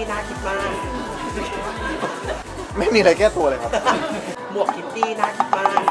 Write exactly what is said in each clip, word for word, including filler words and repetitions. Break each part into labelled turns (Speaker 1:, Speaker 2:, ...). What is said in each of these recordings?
Speaker 1: น่าคิดมาก
Speaker 2: ไม่มีอะไรแก้ตัวเลยครับ
Speaker 1: หมวกคิตตี้น่าคิดมาก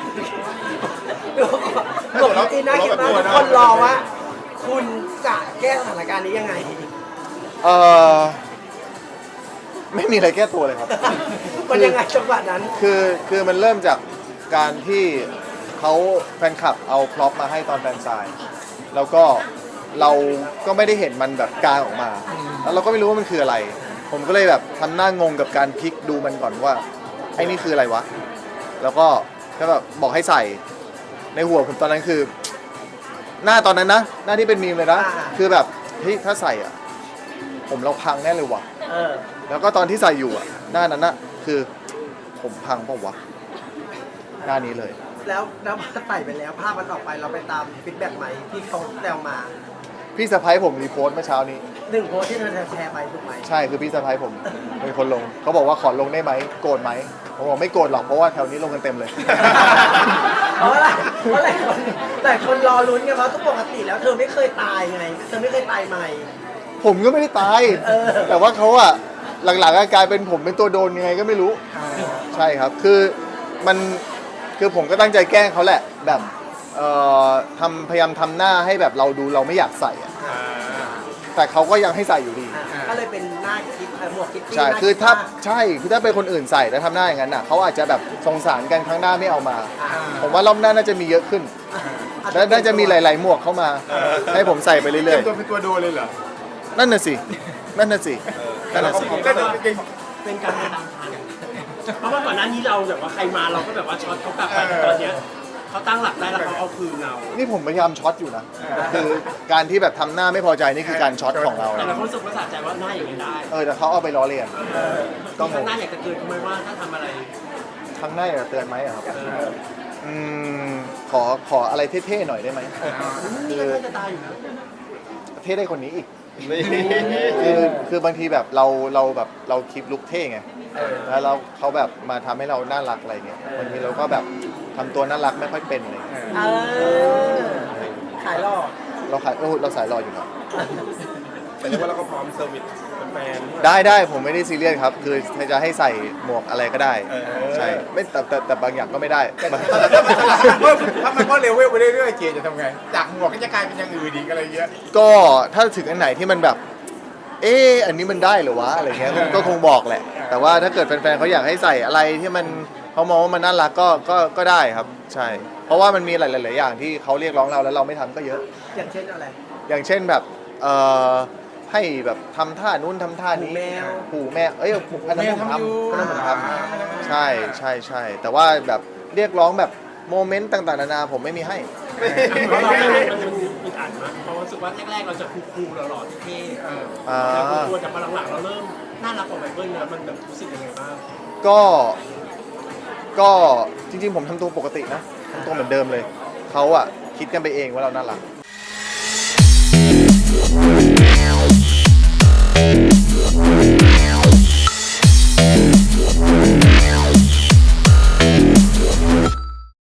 Speaker 1: หมวกคิตตี้น่าคิดมากคนรอว่าคุณจะแก้สถานการณ์นี้ยังไง
Speaker 2: เออไม่มีอะไรแก้ตัวเลยครับ
Speaker 1: มันยังไงจังหวะนั้น
Speaker 2: คือคือมันเริ่มจากการที่เขาแฟนคลับเอาพร็อพมาให้ตอนแฟนซายแล้วก็เราก็ไม่ได้เห็นมันแบบกลางออกมา แล้วเราก็ไม่รู้ว่ามันคืออะไร ผมก็เลยแบบทำหน้างงกับการพลิกดูมันก่อนว่าไอ้นี่คืออะไรวะแล้วก็ก็แบบบอกให้ใส่ในหัวผมตอนนั้นคือ หน้าตอนนั้นนะหน้าที่เป็นมีมเลยนะ
Speaker 1: อ่า
Speaker 2: คือแบบเฮ้ยถ้าใส่อ่ะผมเราพังแน่เลยว่ะ
Speaker 1: เออ
Speaker 2: แล้วก็ตอนที่ใส่อยู่อ่ะหน้านั้นนะคือผมพังเปล่าวะหน้านี้เลย
Speaker 1: แล้วแล้วพอใส่ไปแล้วภาพมันออกไปเราไปตามฟีดแบ็กไหมที่เขาแซวมา
Speaker 2: พี่สะพ้ายผมรีโพสต์เมื่อเช้านี้
Speaker 1: หนึ่งโพสต์ที่เธอแชร์ไปถูกไหม
Speaker 2: ใช่คือพี่สะพ้ายผมเป็นคนลงเขาบอกว่าขอลงได้ไหมโกรธไหมผมบอกไม่โกรธหรอกเพราะว่าแถวนี้ลงกันเต็มเลย
Speaker 1: เพราะอะไรเพราะหลายคนหลายคนรอลุ้นไงเพราะทุกปกติแล้วเธอไม่เคยตายไงเธอไม่เคยตายใหม่
Speaker 2: ผมก็ไม่ได้ตาย
Speaker 1: เออ
Speaker 2: แต่ว่าเขาอะหลังๆกลายเป็นผมเป็นตัวโดนยังไงก็ไม่รู้ ใช่ครับคือมันคือผมก็ตั้งใจแกล้งเขาแหละแบบเอ่อทำพยายามทำหน้าให้แบบเราดูเราไม่อยากใส่อะแต่เขาก็ยังให้ใส่อยู่ดี
Speaker 1: อ่ะก็เลยเป็นหน้าคิดเอ่อหมวกคิตตี้
Speaker 2: ใช่
Speaker 1: หน้
Speaker 2: คือถ้า
Speaker 1: ดมก
Speaker 2: ใช่คือถ้าเป็นคนอื่นใส่แล้วทำหน้าอย่างนั้นน่ะเขาอาจจะแบบสงสารกันครั้งหน้าไม่เอามา
Speaker 1: อ่า
Speaker 2: ผมว่ารอบหน้าน่าจะมีเยอะขึ้น
Speaker 1: อ่ะ
Speaker 2: และน่าจะมีหลาย ๆ หมวกเข้ามา ให้ผมใส่ไปเรื่
Speaker 3: เตรี
Speaker 2: อย
Speaker 3: มตัวเป็นตัวโดนเลยเหรอ
Speaker 2: ๆ นั่นน่ะสิ นั่นน่ะสิ นั่นน่ะสิ
Speaker 3: ก็จริง
Speaker 4: เป็นการตามทางเพราะว่าก่อนหน้านี้เราแบบว่าใครมาเราก็แบบว่าช็อตเขากลับไปแต่ตอนเนี้ยเขาตั้งหลักได้แล้วเขาเอาคืนเรา
Speaker 2: นี่ผมพยายามช็อตอยู่นะ คือการที่แบบทำหน้าไม่พอใจนี่คือการช็อตของเรา
Speaker 4: แต่
Speaker 2: นะ
Speaker 4: เราก็รู้สึกว่าสะใจว่าหน้าอย่างนี้ได้
Speaker 2: เออแต่เขาเอาไปล้อเลียน
Speaker 4: ก็ข้างหน้าอยากจะเตือนทำไมว่าถ้าทำอะไร
Speaker 2: ครั้งหน้าอยากจะเตือนไหมอะครับ อืม ขอขออะไรเท่ ๆ หน่อยได้ไหม
Speaker 4: นี่ก็น่าจะตายอยู่นะ
Speaker 2: เท่ได้คนนี้อีก คือคือบางทีแบบเราเราแบบเราคลิปลุกเท่ไง แล้วเราเขาแบบมาทำให้เราน่ารักอะไรเงี้ยบางทีเราก็แบบทำตัวน่ารักไม่ค่อยเป็นอะไรเลย
Speaker 1: เออขายหลอก
Speaker 2: เราขายโอ้เราสายรออยู่นะ
Speaker 3: แต่เรียกว่าเราก็พร้อมเซอร์วิสแฟน
Speaker 2: ได้ได้ผมไม่ได้ซีเรียสครับ คือจะให้ใส่หมวกอะไรก็ได้
Speaker 3: เออ
Speaker 2: ใช่ไม่แต่แต่แต่บางอย่างก็ไม่ได้
Speaker 3: ถ้ามันก็เลเวลไปเรื่อยๆเจจะทำไง จากหมวกก็จะกลายเป็นอย่างอื่นอีกอะไรเงี้ย
Speaker 2: ก็ถ้าถึงอันไหนที่มันแบบ เอออันนี้มันได้เหรือวะอะไรเงี้ยก็คงบอกแหละ แต่ว่าถ้าเกิดแฟนๆเขาอยากให้ใส่อะไรที่มันเขามองว่ามันน่ารักก็ก็ก็ได้ครับ ใช่ เพราะว่ามันมีหลายๆอย่างที่เขาเรียกร้องเราแล้วเราไม่ทำก็เยอะ
Speaker 1: อย่างเช่นอะไร
Speaker 2: อย่างเช่นแบบเอ่อให้แบบทำท่านู้นทำท่านี้
Speaker 1: หูแมว
Speaker 2: หูแมวเอ้ยหูอันนั้นผมทำอันนั้นผมท
Speaker 1: อ่า
Speaker 2: ำใช่ใช่ใช่แต่ว่าแบบเรียกร้องแบบโมเมนต์ต่างๆนานาผมไม่มีให้
Speaker 4: เพราะเราไม่รู้มันอึดอัดมากเพราะรู้สึกว่าแรกๆเราจะคูลๆหล่อๆเท่ๆ
Speaker 2: อ่า
Speaker 4: แต่กลัวๆแต่พอหลังๆเราเริ่มน่ารักกว่าไมเคิลนะมันแบบรู้สึกยังไงบ้าง
Speaker 2: ก็ก็จริงๆผมทำตัวปกตินะทำตัวเหมือนเดิมเลยเขาอะคิดกันไปเองว่าเราน่ารัก